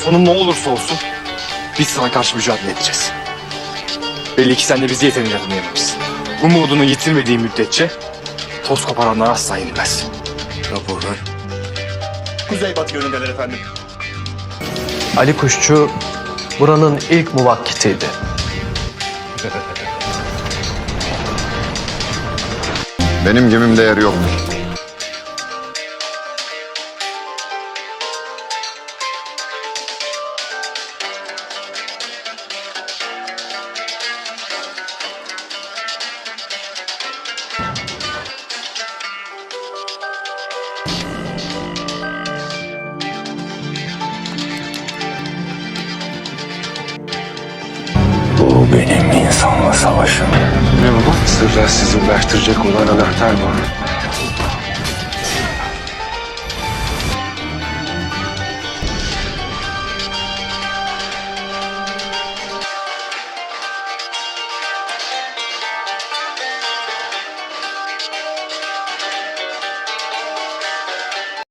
Sonu ne olursa olsun biz sana karşı mücadele edeceğiz. Belli ki sen de bizi yeterince tanıyamamışsın. Umudunu yitirmediği müddetçe toz koparanlar asla yenilmez. Raporlar. Kuzeybatı yönündeler efendim. Ali Kuşçu buranın ilk muvakkitiydi. Benim gemimde yer yoktur. Bu benim insanla savaşım. Ne baba? Sırlar sizi ulaştıracak olan anahtar bu.